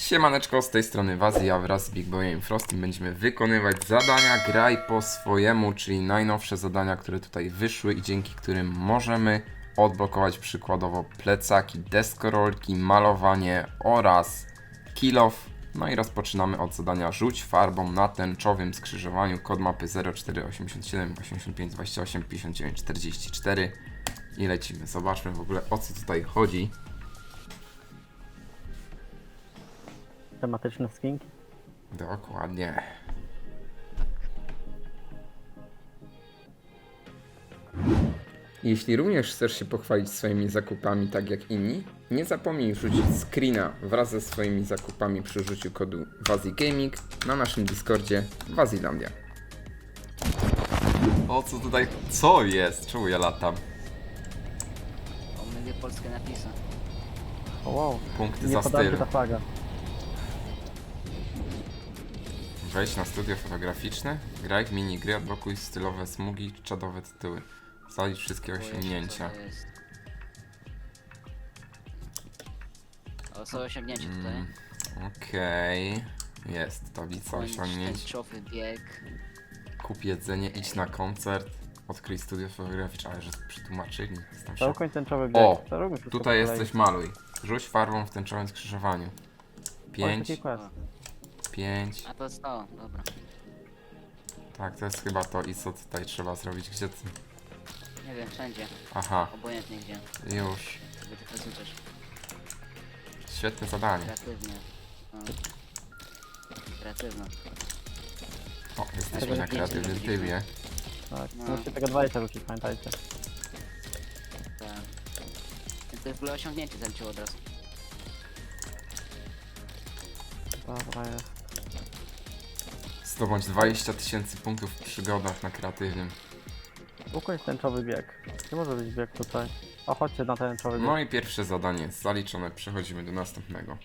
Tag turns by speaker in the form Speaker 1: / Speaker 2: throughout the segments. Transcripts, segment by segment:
Speaker 1: Siemaneczko, z tej strony Wazy, a wraz z Big Boyem i Frostim będziemy wykonywać zadania graj po swojemu, czyli najnowsze zadania, które tutaj wyszły i dzięki którym możemy odblokować przykładowo plecaki, deskorolki, malowanie oraz kill off. No i rozpoczynamy od zadania rzuć farbą na tęczowym skrzyżowaniu, kod mapy 0487 85 28 59 44 i lecimy. Zobaczmy w ogóle, o co tutaj chodzi.
Speaker 2: Tematyczne skinki.
Speaker 1: Dokładnie. Jeśli również chcesz się pochwalić swoimi zakupami tak jak inni, nie zapomnij wrzucić screena wraz ze swoimi zakupami przy użyciu kodu WazyGaming na naszym Discordzie Wazylandia. O co tutaj? Co jest? Czemu ja latam?
Speaker 3: Omylię polskie napisy.
Speaker 2: O wow.
Speaker 1: Punkty
Speaker 2: Nie
Speaker 1: za
Speaker 2: podała się
Speaker 1: styl.
Speaker 2: ta flaga.
Speaker 1: Wejdź na studio fotograficzne, graj w minigry, odblokuj stylowe smugi, czadowe tytuły. Zalicz wszystkie osiągnięcia.
Speaker 3: Co to jest? O, co osiągnięcie tutaj?
Speaker 1: Okej. Jest tablica osiągnięć.
Speaker 3: Tęczowy bieg.
Speaker 1: Kup jedzenie, idź na koncert, odkryj studio fotograficzne, ale że przetłumaczyli. Jestem w
Speaker 2: To
Speaker 1: szoku.
Speaker 2: ukoń tęczowy bieg.
Speaker 1: O,
Speaker 2: To róbmy wszystko
Speaker 1: tutaj
Speaker 2: po
Speaker 1: jest
Speaker 2: kolei.
Speaker 1: coś, maluj. Rzuć farbą w tęczowym skrzyżowaniu.
Speaker 2: Oj,
Speaker 1: 5,
Speaker 2: taki quest.
Speaker 1: 5.
Speaker 3: A to jest to, dobra.
Speaker 1: Tak, to jest chyba to i co tutaj trzeba zrobić. Gdzie ty?
Speaker 3: Nie wiem, wszędzie.
Speaker 1: Aha,
Speaker 3: Obojętnie gdzie.
Speaker 1: już.
Speaker 3: Sobie tylko rzucasz.
Speaker 1: Świetne zadanie.
Speaker 3: Kreatywnie. No. Kreatywno.
Speaker 1: O, jesteśmy
Speaker 2: Tego
Speaker 1: na
Speaker 2: nie
Speaker 1: kreatywnym
Speaker 3: widzieliśmy.
Speaker 1: trybie.
Speaker 2: Tak,
Speaker 3: No.
Speaker 2: musicie tego 20 rzucić, pamiętajcie.
Speaker 3: Tak. Więc to w ogóle osiągnięcie zaliczyło od razu.
Speaker 2: Dobra, jest.
Speaker 1: Zdobądź 20 000 punktów w przygodach na kreatywnym.
Speaker 2: Ukoń tęczowy bieg. Nie może być bieg tutaj. O, chodźcie na tęczowy bieg.
Speaker 1: No i pierwsze zadanie jest zaliczone, przechodzimy do następnego.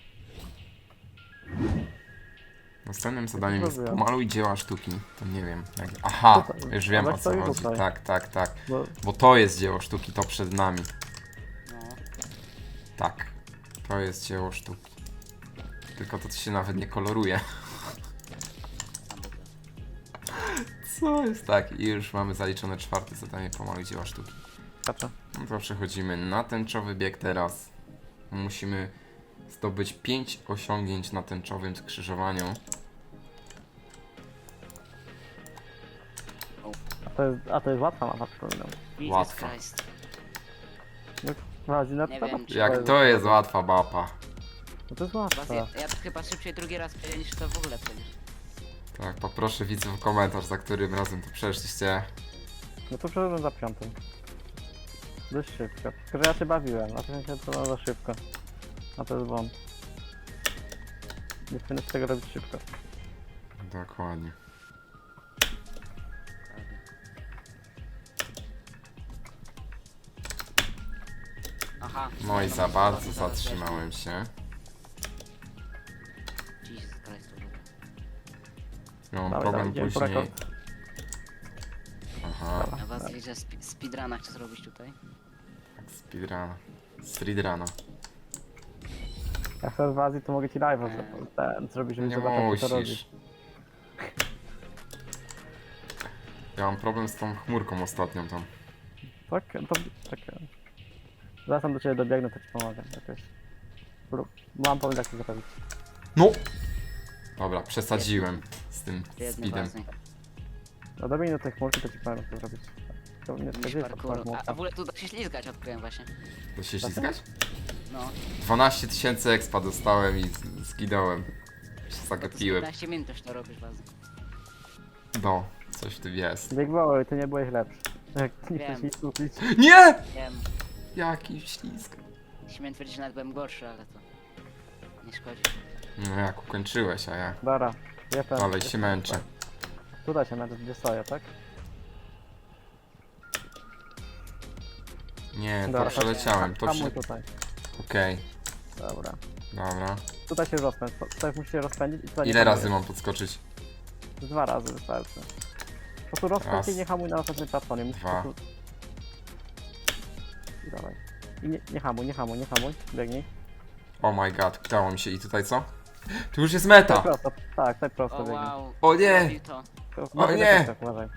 Speaker 1: Następnym zadaniem jest
Speaker 2: zrobiłem?
Speaker 1: pomaluj dzieła sztuki. To nie wiem. Jak... Aha,
Speaker 2: Tutaj.
Speaker 1: już wiem o
Speaker 2: Zobacz,
Speaker 1: co
Speaker 2: co jest
Speaker 1: chodzi.
Speaker 2: tutaj.
Speaker 1: Tak, tak, tak.
Speaker 2: Bo
Speaker 1: Bo to jest dzieło sztuki, to przed nami.
Speaker 3: No.
Speaker 1: Tak, to jest dzieło sztuki. Tylko to się nawet nie koloruje.
Speaker 3: Sam był.
Speaker 1: Co jest? Tak, i już mamy zaliczone czwarte zadanie pomaluj dzieła sztuki.
Speaker 2: skaczę.
Speaker 1: No to przechodzimy na tęczowy bieg teraz. Musimy zdobyć 5 osiągnięć na tęczowym skrzyżowaniu.
Speaker 2: A to jest łatwa mapa, przypominam.
Speaker 3: Jesus
Speaker 1: Łatwo.
Speaker 3: Christ.
Speaker 2: Wazi na
Speaker 3: Nie
Speaker 2: to.
Speaker 3: wiem, czy-
Speaker 1: Jak to jest łatwa mapa.
Speaker 2: No to jest
Speaker 3: Was,
Speaker 2: łatwa.
Speaker 3: ja to chyba szybciej drugi raz przejdę niż to w ogóle przecież.
Speaker 1: Tak, poproszę widzów o komentarz, za którym razem to przeszliście.
Speaker 2: No to przeszedłem za piątym. Dość szybko. Tylko, że ja się bawiłem, a to się to za szybko. A to jest błąd. Nie powinno się tego robić szybko.
Speaker 1: Dokładnie.
Speaker 3: Aha.
Speaker 1: No i
Speaker 3: no,
Speaker 1: za
Speaker 3: no,
Speaker 1: bardzo
Speaker 3: no, zaraz
Speaker 1: zatrzymałem się.
Speaker 3: weźmie. Jesus Christ. w ogóle.
Speaker 1: Miałem
Speaker 2: Dawaj,
Speaker 1: problem
Speaker 2: dawaj, idziemy po
Speaker 1: później.
Speaker 2: rekord.
Speaker 1: Aha,
Speaker 3: A was widzę speedruna chcę zrobić tutaj.
Speaker 1: tak, speedrun. Streetruna.
Speaker 2: Jak chcesz w Azji, to mogę ci live'a zrobić, żeby
Speaker 1: Nie
Speaker 2: zobaczyć, co to
Speaker 1: musisz.
Speaker 2: robisz.
Speaker 1: Ja mam problem z tą chmurką ostatnią tam.
Speaker 2: Tak, to czekaj. Zaraz tam do ciebie dobiegnę, to ci pomogę jakoś. Mam pomysł, jak to zrobić.
Speaker 1: No! Dobra, przesadziłem z tym
Speaker 3: Biedny
Speaker 1: speedem.
Speaker 3: Wazy.
Speaker 2: No dobiegnę do tej chmurki, to ci powiem, jak to zrobić. To nie
Speaker 3: Jakiś
Speaker 2: gdzie jest ta
Speaker 3: parkour. A
Speaker 2: chmurka?
Speaker 3: w ogóle tu da się ślizgać odkryłem właśnie.
Speaker 1: To się ślizgać?
Speaker 3: No.
Speaker 1: 12 000 expa dostałem i zginąłem. Się
Speaker 3: To z
Speaker 1: zagapiłem.
Speaker 3: 15 minut już to robisz Wazy.
Speaker 1: No, coś w tym jest.
Speaker 2: Big Boy, ty nie byłeś lepszy. Jak nie
Speaker 3: Wiem.
Speaker 2: chcesz nic kupić.
Speaker 1: Nie!
Speaker 3: Wiem.
Speaker 1: Jaki ślizg.
Speaker 3: Śmiem twierdzić, że nawet byłem gorszy, ale to nie szkodzi.
Speaker 1: No jak ukończyłeś, a ja
Speaker 2: Dobra, jestem.
Speaker 1: dalej się męczę.
Speaker 2: Tutaj się męczę, gdzie stoję, tak?
Speaker 1: Nie, to
Speaker 2: Dobra,
Speaker 1: przeleciałem, to
Speaker 2: hamuj
Speaker 1: przy...
Speaker 2: tutaj.
Speaker 1: Okej,
Speaker 2: Dobra.
Speaker 1: dobra.
Speaker 2: Tutaj się rozpędź, tutaj musisz się rozpędzić i tutaj nie
Speaker 1: Ile razy
Speaker 2: hamujesz.
Speaker 1: mam podskoczyć?
Speaker 2: 2 razy wystarczy. Po prostu rozpędź
Speaker 1: Raz.
Speaker 2: się i nie hamuj na następnym platformie. Musisz
Speaker 1: Dwa.
Speaker 2: po prostu... I dawaj. I nie hamuj, nie hamuj, nie hamuj. Biegnij.
Speaker 1: Oh my god, udało mi się. I tutaj co? Tu już jest
Speaker 2: Tak
Speaker 1: meta!
Speaker 2: prosto, tak prosto
Speaker 3: O
Speaker 2: biegnie.
Speaker 3: wow.
Speaker 1: O nie!
Speaker 3: Zrobił to.
Speaker 2: Uważaj
Speaker 1: nie!
Speaker 2: na plecach, uważaj.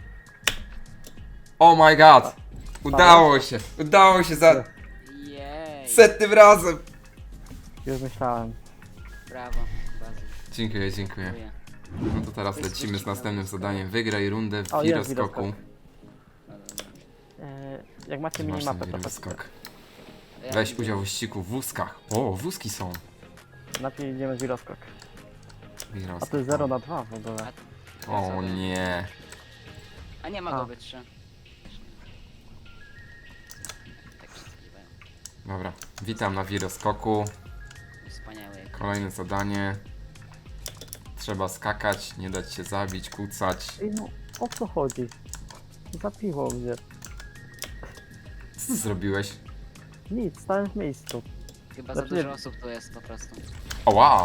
Speaker 1: Oh my god! Udało się! Udało się za
Speaker 3: Jej.
Speaker 1: setnym razem!
Speaker 2: Już myślałem.
Speaker 3: Brawo. Bazy.
Speaker 1: Dziękuję.
Speaker 3: Dziękuję.
Speaker 1: No to teraz lecimy z następnym zadaniem. Wygraj rundę w
Speaker 2: O, jest
Speaker 1: wiroskoku.
Speaker 2: wiroskok.
Speaker 3: No dobra.
Speaker 2: Jak macie
Speaker 1: Masz ten
Speaker 2: minimapę, to
Speaker 1: wiroskok.
Speaker 3: Ja
Speaker 1: Weź
Speaker 3: idę.
Speaker 1: udział w wyścigu w wózkach. O, wózki są.
Speaker 2: najpierw idziemy z wiroskok. A
Speaker 1: Wiroskok.
Speaker 2: to jest 0/2 w ogóle.
Speaker 1: O nie.
Speaker 3: A nie ma
Speaker 2: A.
Speaker 3: go wyższe. Tak przeskiwają.
Speaker 1: Dobra, witam na wiroskoku.
Speaker 3: Wspaniałe.
Speaker 1: Kolejne zadanie. Trzeba skakać, nie dać się zabić, kucać.
Speaker 2: Ej, no, o co chodzi? Zapiło mnie.
Speaker 1: Co ty zrobiłeś?
Speaker 2: Nic, stałem w miejscu.
Speaker 3: Chyba za
Speaker 2: Znaczy-
Speaker 3: dużo osób tu jest po prostu.
Speaker 1: O wow!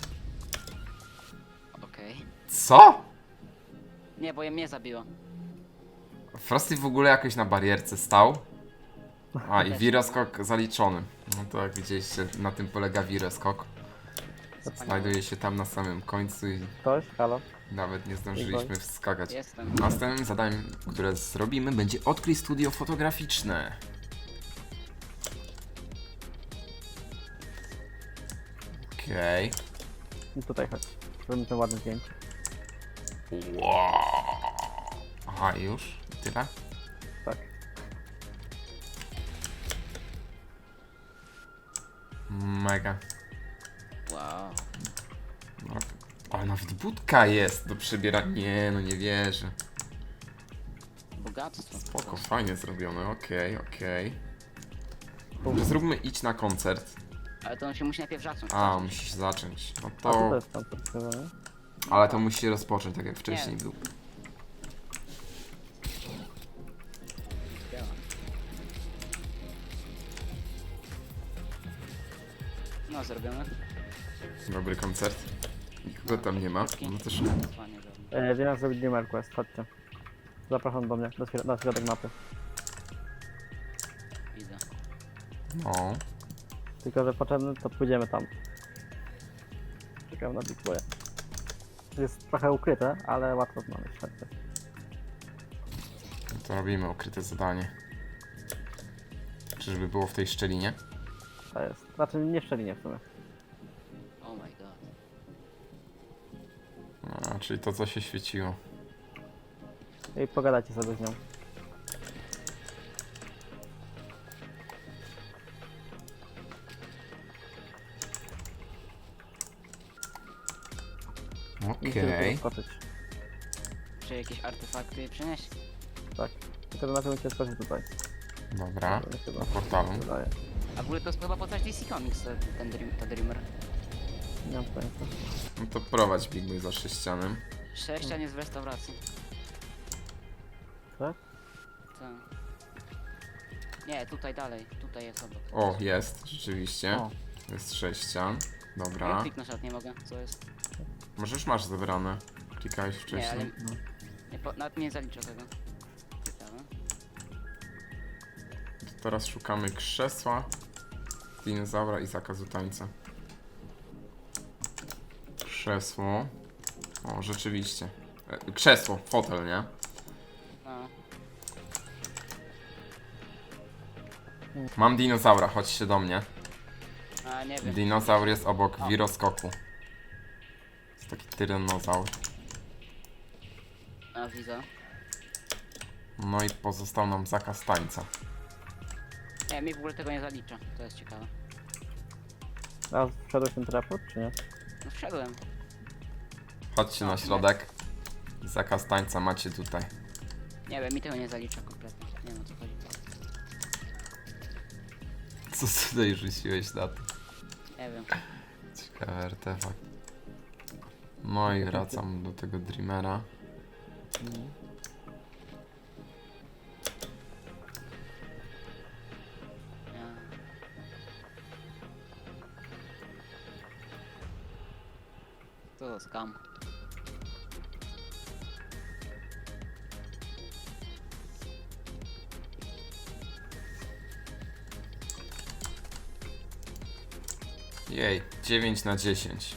Speaker 3: Okej.
Speaker 1: Co?
Speaker 3: Nie, bo je mnie zabiło.
Speaker 1: Frosty w ogóle jakoś na barierce stał. A i wiroskok zaliczony. No to jak widzieliście, na tym polega wiroskok.
Speaker 3: Wspaniałe.
Speaker 1: Znajduje się tam na samym końcu i
Speaker 2: Ktoś? Halo?
Speaker 1: nawet nie zdążyliśmy wskakać.
Speaker 3: Jestem.
Speaker 1: Następnym zadaniem, które zrobimy, będzie odkryj studio fotograficzne. Okej.
Speaker 2: I tutaj chodź. Zrobimy ten ładne zdjęcie.
Speaker 1: Wow. Aha, już? I tyle?
Speaker 2: Tak.
Speaker 1: Mega.
Speaker 3: Wow.
Speaker 1: No, ale nawet budka jest do przebierania. Nie, no nie wierzę.
Speaker 3: Bogactwo.
Speaker 1: Spoko, fajnie zrobione, okej. Dobrze, zróbmy idź na koncert.
Speaker 3: Ale to on się musi najpierw zacząć.
Speaker 1: A, musi się zacząć. No
Speaker 2: A to
Speaker 1: to...
Speaker 2: jest tam podstawione.
Speaker 1: Ale to musi się rozpocząć, tak jak wcześniej
Speaker 3: Nie.
Speaker 1: był.
Speaker 3: Działa. No, zrobione.
Speaker 1: Dobry koncert. Nikogo tam nie ma. No też...
Speaker 3: Fajnie zrobione.
Speaker 2: Wiem jak zrobić Dreamer Quest, chodźcie. Zapraszam do mnie, na środek mapy.
Speaker 3: Widzę.
Speaker 1: No.
Speaker 2: Tylko, że potrzebny, to pójdziemy tam. Czekam na Big Boya. Jest trochę ukryte, ale łatwo znaleźć, chodźcie.
Speaker 1: No to robimy ukryte zadanie. Czyżby było w tej szczelinie?
Speaker 2: To jest. Znaczy nie w szczelinie w sumie.
Speaker 3: Oh my god.
Speaker 1: A, czyli to, co się świeciło.
Speaker 2: I pogadajcie sobie z nią. I się
Speaker 1: Okej.
Speaker 2: skoczyć.
Speaker 3: Czy jakieś artefakty przynieść?
Speaker 2: Tak. Tylko, że na tym musicie skoczyć tutaj.
Speaker 1: Dobra.
Speaker 2: To chyba
Speaker 1: Do portalu.
Speaker 2: wydaje.
Speaker 3: A w ogóle to jest chyba postać DC Comics, ta Dreamer.
Speaker 2: Nie mam pojęcia.
Speaker 1: No to prowadź Big Boy za sześcianem.
Speaker 3: Sześcian jest w restauracji.
Speaker 2: Tak?
Speaker 3: Tak. Nie, tutaj dalej. Tutaj jest obok.
Speaker 1: O, jest, rzeczywiście.
Speaker 2: O.
Speaker 1: Jest sześcian.
Speaker 3: Ja
Speaker 1: Dobra.
Speaker 3: kliknąć nawet nie mogę, co jest?
Speaker 1: Może już masz zebrane. Klikałeś
Speaker 3: Nie,
Speaker 1: wcześniej.
Speaker 3: ale
Speaker 2: No.
Speaker 3: nawet nie zaliczę tego. Ciekawe.
Speaker 1: To teraz szukamy krzesła, dinozaura i zakazu tańca. Krzesło. O, rzeczywiście. Krzesło, fotel, nie?
Speaker 3: No.
Speaker 1: Mam dinozaura, chodźcie do mnie.
Speaker 3: A nie wiem.
Speaker 1: Dinozaur jest obok
Speaker 3: O.
Speaker 1: wiroskoku. Jest taki tyranozaur.
Speaker 3: A widzę.
Speaker 1: No i pozostał nam zakaz tańca.
Speaker 3: Nie, mi w ogóle tego nie zalicza. To jest ciekawe.
Speaker 2: A wszedłeś ten teleport, czy nie?
Speaker 3: No wszedłem.
Speaker 1: Chodźcie na środek. Zakaz tańca macie tutaj.
Speaker 3: Nie wiem, mi tego nie zalicza kompletnie. Nie wiem o co chodzi.
Speaker 1: Co tutaj rzuciłeś na to?
Speaker 3: Nie wiem.
Speaker 1: Ciekawy artefakt. No i wracam do tego Dreamera.
Speaker 3: Ja. Co za skam.
Speaker 1: Jej, 9 na 10.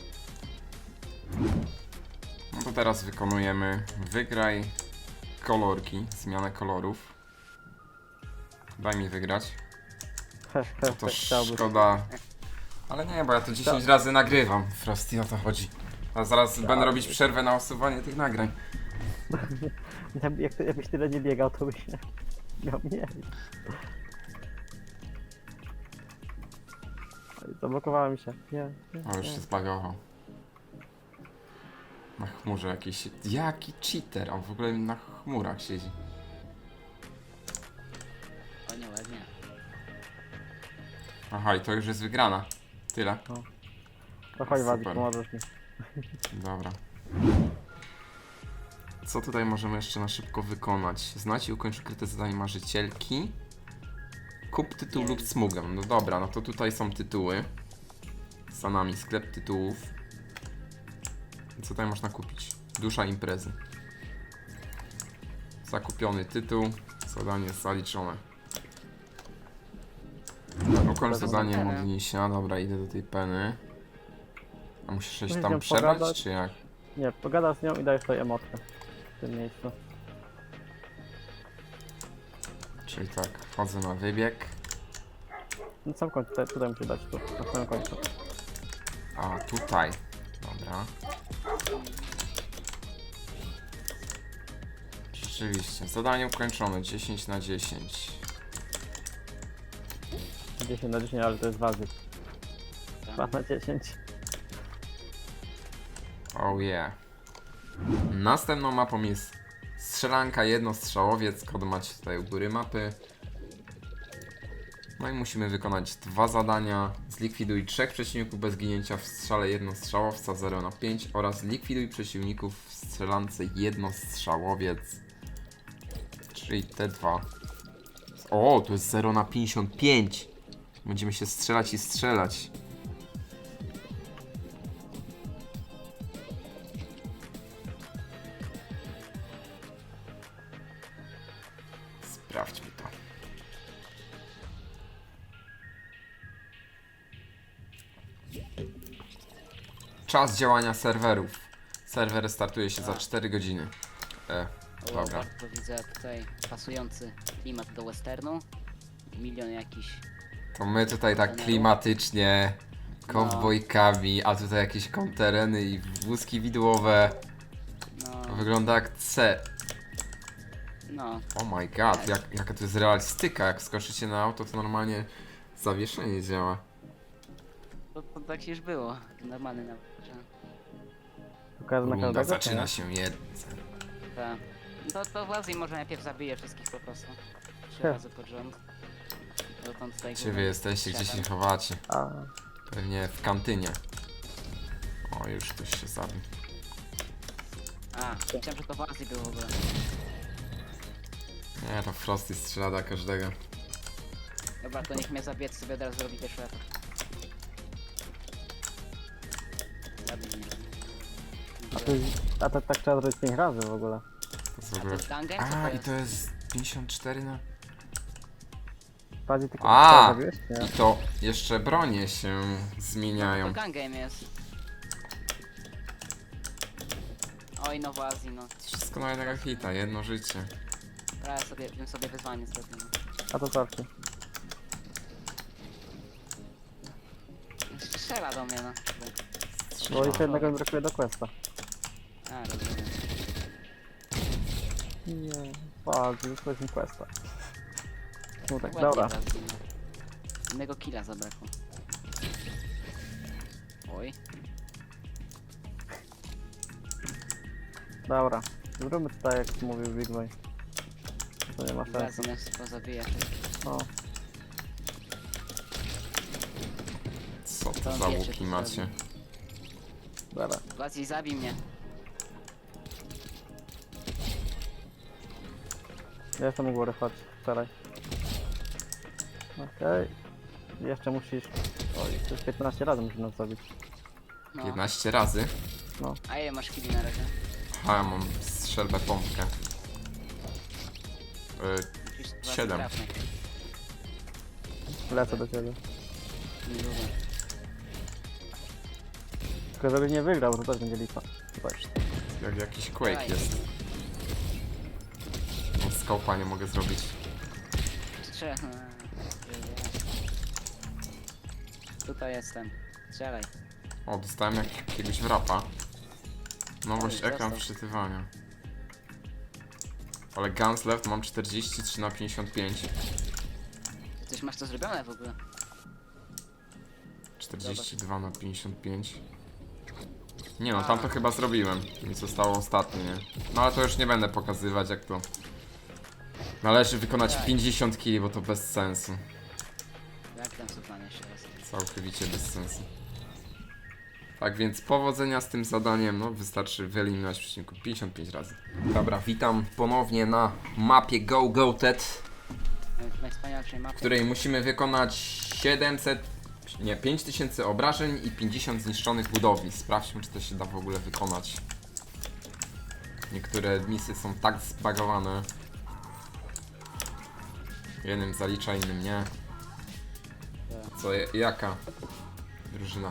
Speaker 1: No to teraz wykonujemy wygraj kolorki, zmianę kolorów. Daj mi wygrać. To
Speaker 2: Chciałbyś.
Speaker 1: szkoda. Ale nie, bo ja to 10 razy nagrywam. Frosty, o to chodzi. A zaraz będę robić przerwę na usuwanie tych nagrań.
Speaker 2: Jakbyś tyle nie biegał, to byś nie miał mniej. Oj, zablokowało mi się. Nie.
Speaker 1: O, już się zbagował. Na chmurze jakiś... Jaki cheater? On w ogóle na chmurach siedzi.
Speaker 3: O nie, ładnie.
Speaker 1: Aha, i to już jest wygrana. Tyle.
Speaker 2: To chodź, Wazi,
Speaker 1: Super.
Speaker 2: pomożesz mi.
Speaker 1: Dobra. Co tutaj możemy jeszcze na szybko wykonać? Znajdź i ukończ ukryte zadanie marzycielki. Kup tytuł lub smugę. No dobra, no to tutaj są tytuły. Za nami sklep tytułów. I co tutaj można kupić? Dusza imprezy. Zakupiony tytuł. Zadanie zaliczone. Ukończ zadanie modlisia. Dobra, idę do tej peny. A musisz się
Speaker 2: Musisz
Speaker 1: tam
Speaker 2: ją
Speaker 1: przebrać,
Speaker 2: pogadać.
Speaker 1: czy jak?
Speaker 2: Nie, pogadasz z nią i dajesz sobie emotkę w tym miejscu.
Speaker 1: Czyli tak, wchodzę na wybieg.
Speaker 2: Na sam końcu, tutaj musisz dać tu, na samym końcu.
Speaker 1: A, tutaj. Dobra. Rzeczywiście, zadanie ukończone, 10 na 10.
Speaker 2: 10 na 10, ale to jest Wazi.
Speaker 3: Tak.
Speaker 2: 2 na 10.
Speaker 1: Oh yeah. Następną mapą jest strzelanka jednostrzałowiec, kod macie tutaj u góry mapy. No i musimy wykonać 2 zadania. Zlikwiduj 3 przeciwników bez ginięcia w strzale jednostrzałowca 0 na 5 oraz zlikwiduj przeciwników w strzelance jednostrzałowiec. Czyli te dwa. O, to jest 0 na 55. Będziemy się strzelać i strzelać. Sprawdźmy to. Czas działania serwerów. Serwer startuje się za 4 godziny.
Speaker 3: O,
Speaker 1: Dobra.
Speaker 3: bardzo widzę tutaj pasujący klimat do westernu. Milion jakiś.
Speaker 1: To my tutaj tak klimatycznie, kowbojkami, a tutaj jakieś kontereny i wózki widłowe.
Speaker 3: No,
Speaker 1: Wygląda jak C.
Speaker 3: no.
Speaker 1: Oh my god, jaka to jest realistyka. Jak skoczycie na auto, to normalnie zawieszenie działa.
Speaker 3: To tak się już było. Normalny nawet.
Speaker 2: Pokażę na
Speaker 1: Runda
Speaker 2: każdego, czy
Speaker 1: zaczyna
Speaker 2: nie?
Speaker 1: się jeden.
Speaker 3: Tak. To w Azji może najpierw zabije wszystkich po prostu. 3
Speaker 2: He.
Speaker 3: razy pod rząd. Dotąd tutaj
Speaker 1: Gdzie wy jesteście, gdzie się chowacie?
Speaker 2: A,
Speaker 1: Pewnie w kantynie. O, już ktoś się zabił.
Speaker 3: A, myślałem, że to w Azji było w ogóle.
Speaker 1: Nie, to Frosty strzela do każdego.
Speaker 3: Dobra, to niech mnie zabije, to sobie od razu robi pierwszy atak. Zabij mnie.
Speaker 2: a to tak trzeba zrobić 5 razy w ogóle.
Speaker 1: To jest w
Speaker 3: A to
Speaker 1: ogóle...
Speaker 3: jest gun game? Co
Speaker 1: A,
Speaker 3: to
Speaker 1: i
Speaker 3: jest?
Speaker 1: to jest 54 na...
Speaker 2: Bardziej tylko
Speaker 1: A!
Speaker 2: zrobiłeś? Nie.
Speaker 1: I to jeszcze bronie się
Speaker 3: To
Speaker 1: zmieniają.
Speaker 3: gun game jest. Oj, no w Azji, no.
Speaker 1: Wszystko na jednego hita, jedno życie.
Speaker 3: Prawie sobie, bym sobie wyzwanie zrobił. No.
Speaker 2: A to cofnij.
Speaker 3: Strzela do mnie, no.
Speaker 2: Bo jeszcze jednego mi brakuje do questa.
Speaker 3: A, rozumiem.
Speaker 2: Nie, Wazi, wysłałeś mi questa. Smutek,
Speaker 3: Ładnie
Speaker 2: dobra.
Speaker 3: w Azji, no. Jednego killa zabrakło. Oj.
Speaker 2: Dobra. Zróbmy to tak jak mówił Big Boy. To nie ma
Speaker 3: W
Speaker 2: sensu.
Speaker 3: Azji nas to zabija.
Speaker 2: No.
Speaker 1: Co to
Speaker 3: To
Speaker 1: za
Speaker 3: wiecie,
Speaker 1: łuki
Speaker 3: co
Speaker 1: macie?
Speaker 2: Dobra.
Speaker 3: W Azji zabij mnie.
Speaker 2: Ja jestem u góry, chodź, wczoraj. Okej. Jeszcze musisz... Oj, to jest 15 razy musisz nas zabić.
Speaker 3: No.
Speaker 1: 15 razy?
Speaker 3: A ile masz killi na razie?
Speaker 1: A, ja mam strzelbę pompkę.
Speaker 3: Musisz w Azji
Speaker 1: 7.
Speaker 3: trafnych.
Speaker 2: Lecę do ciebie.
Speaker 3: Niedługo.
Speaker 2: Tylko żeby nie wygrał, to też będzie lipa. Tutaj.
Speaker 1: Jak jakiś Quake
Speaker 3: Daj.
Speaker 1: jest. No, skopa nie mogę zrobić.
Speaker 3: Trzech. Tutaj jestem. Strzelaj.
Speaker 1: O, dostałem jakiegoś wrapa. Nowość
Speaker 3: Oj,
Speaker 1: ekran
Speaker 3: dostał.
Speaker 1: wczytywania. Ale guns left mam 43 na 55.
Speaker 3: Coś masz to zrobione w ogóle?
Speaker 1: 42 na 55. Nie no, tam to chyba zrobiłem. Mi zostało ostatnie, nie? No ale to już nie będę pokazywać jak to. Należy wykonać
Speaker 3: Tak.
Speaker 1: 50 kg, bo to bez sensu.
Speaker 3: Jak tam supanie jeszcze raz?
Speaker 1: Całkowicie bez sensu. Tak więc powodzenia z tym zadaniem, no wystarczy wyeliminować przeciwników 55 razy. Dobra, witam ponownie na mapie Go TED,
Speaker 3: Najwspanialszej
Speaker 1: w
Speaker 3: mapy.
Speaker 1: której musimy wykonać 5000 obrażeń i 50 zniszczonych budowli. Sprawdźmy, czy to się da w ogóle wykonać. Niektóre misje są tak zbagowane. Jednym zalicza, innym nie. Co, jaka drużyna?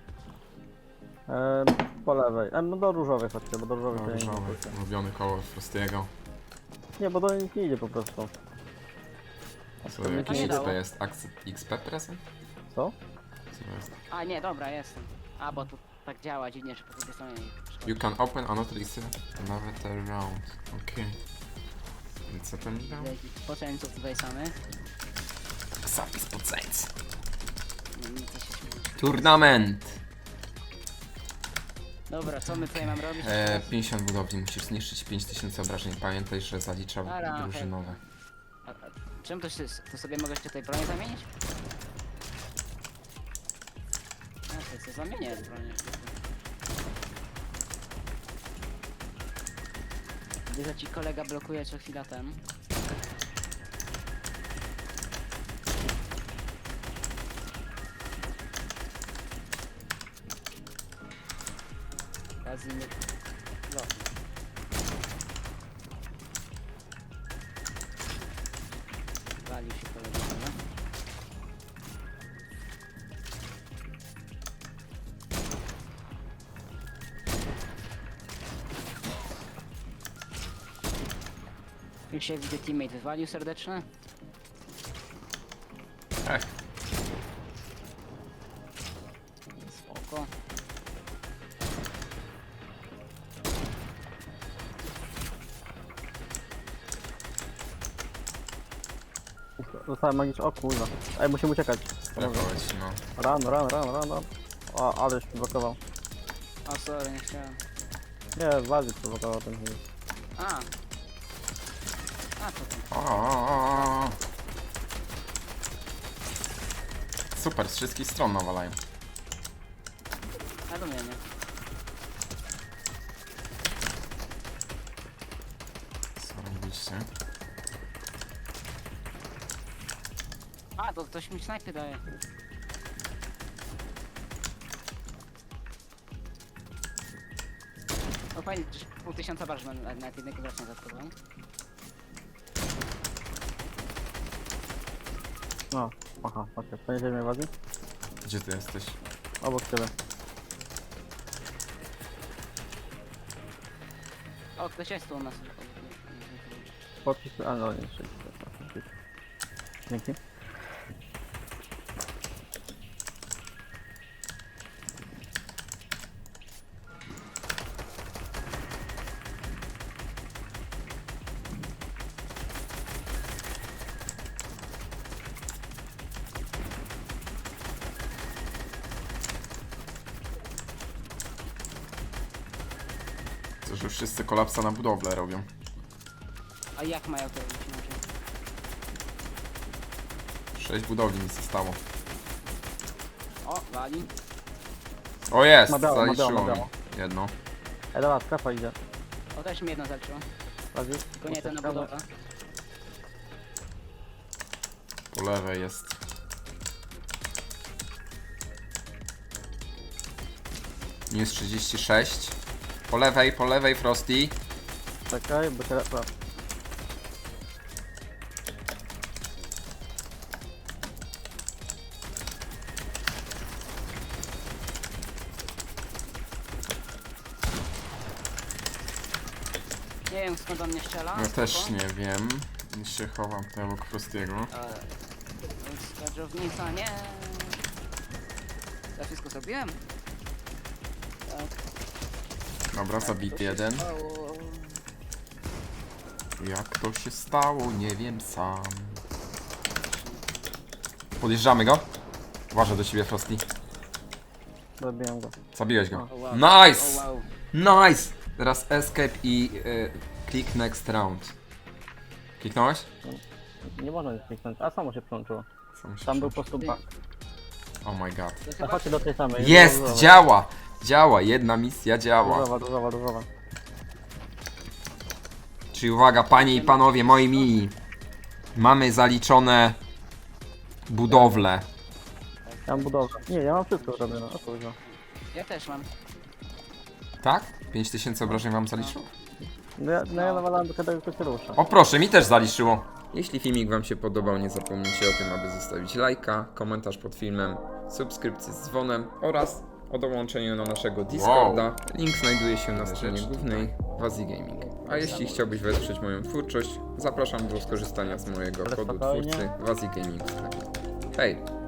Speaker 2: Po lewej. No do różowej chodźcie, bo do różowej to ja nie
Speaker 1: Różowy,
Speaker 2: pójdę.
Speaker 1: ulubiony koło Frostiego.
Speaker 2: Nie, bo do nich nie idzie po prostu.
Speaker 1: Co,
Speaker 2: to mi
Speaker 1: jakiś
Speaker 3: nie
Speaker 1: XP
Speaker 3: dało.
Speaker 1: jest? XP present?
Speaker 2: Co?
Speaker 1: Co jest?
Speaker 3: A nie, dobra, jestem. A, bo tu tak działa dziwnie, że po drugiej stronie nie
Speaker 1: You can open another another round. Okej. I co tam mi dał?
Speaker 3: Poceńców tutaj samych.
Speaker 1: Zapis poceńc.
Speaker 3: Nic się śmieje.
Speaker 1: Turnament!
Speaker 3: Dobra, co my tutaj mam robić?
Speaker 1: 50 budowli, musisz zniszczyć 5000 obrażeń. Pamiętaj, że zalicza
Speaker 3: Dobra,
Speaker 1: drużynowe.
Speaker 3: A czym to sobie mogę tutaj broń zamienić? A to co zamienię broń. Gdy ci kolega blokuje co chwila ten. Razy nie... No. Walił się kolega, no. Już się widzę, teammate wywalił serdeczne.
Speaker 1: Ech,
Speaker 3: Spoko.
Speaker 2: Dostałem magiczny. O kurwa. Ej, musimy uciekać.
Speaker 1: strefałeś, no.
Speaker 2: Run. O, aleś blokował.
Speaker 3: O, sorry, nie chciałem.
Speaker 2: Nie, bardziej prowokował ten chwil.
Speaker 3: A! A, to ten.
Speaker 1: O. Super, z wszystkich stron nawalają.
Speaker 3: A do mnie nie.
Speaker 1: Co robiliście?
Speaker 3: A, to ktoś mi snajpy daje. No fajnie, że 5000 barż na jednego gracza zatkowałem.
Speaker 2: No, aha, okej. Poniesiemy mnie wadzi?
Speaker 1: Gdzie ty jesteś?
Speaker 2: Obok ciebie.
Speaker 3: O, ktoś jest tu u nas.
Speaker 2: Podpis, a no nie, dzięki.
Speaker 1: To, że wszyscy kolapsa na budowlę robią.
Speaker 3: A jak mają to robić inaczej?
Speaker 1: 6 budowli mi zostało.
Speaker 3: O, wali.
Speaker 1: O jest!
Speaker 2: Ma biało, ma
Speaker 1: Zaliczyło
Speaker 2: biało, ma
Speaker 1: mi.
Speaker 2: biało.
Speaker 1: Jedno.
Speaker 2: Ej, dobra, strefa idzie.
Speaker 3: O, też mi jedno zaliczyło.
Speaker 2: Wadzi?
Speaker 3: Tylko nie to na budowę.
Speaker 1: Po lewej jest. Minus 36. Po lewej Frosty.
Speaker 2: Czekaj, bo cię...
Speaker 3: Nie wiem skąd on mnie strzela.
Speaker 1: Ja też
Speaker 3: spoko.
Speaker 1: nie wiem. Się chowam tutaj obok Frostiego.
Speaker 3: Skadżownica, nie. Ja wszystko zrobiłem? Tak.
Speaker 1: Dobra, zabity jeden.
Speaker 3: Stało.
Speaker 1: Jak to się stało, nie wiem sam. Podjeżdżamy go. Uważaj do siebie, Frosty.
Speaker 2: Zabiłem go.
Speaker 1: Zabiłeś go.
Speaker 3: O, wow.
Speaker 1: Nice!
Speaker 3: O, wow.
Speaker 1: Nice! Teraz escape i click next round. Kliknąłeś?
Speaker 2: Nie można nic kliknąć. A samo się przyłączyło.
Speaker 1: Sam się
Speaker 2: Tam był
Speaker 1: przyłączy.
Speaker 2: po prostu bug.
Speaker 1: Oh my god.
Speaker 3: To
Speaker 2: A
Speaker 3: chyba
Speaker 2: chodźcie do tej samej.
Speaker 1: Jest!
Speaker 2: Różowa.
Speaker 1: Działa! Działa! Jedna misja działa.
Speaker 2: Różowa.
Speaker 1: Czyli uwaga, panie i panowie, moi mili. Mamy zaliczone budowle.
Speaker 2: Ja mam budowę. Nie, ja mam wszystko zrobione. O kurwa.
Speaker 3: ja też mam.
Speaker 1: Tak? 5000 obrażeń wam zaliczyło?
Speaker 2: No ja nawalałem do tego, kto się rusza.
Speaker 1: O proszę, mi też zaliczyło. Jeśli filmik wam się podobał, nie zapomnijcie o tym, aby zostawić lajka, komentarz pod filmem, subskrypcję z dzwonem oraz o dołączeniu do naszego Discorda. Link znajduje się na stronie głównej Wazi Gaming. A jeśli chciałbyś wesprzeć moją twórczość, zapraszam do skorzystania z mojego
Speaker 2: Ale
Speaker 1: kodu
Speaker 2: spokojnie.
Speaker 1: twórcy Wazi Gaming. Hej!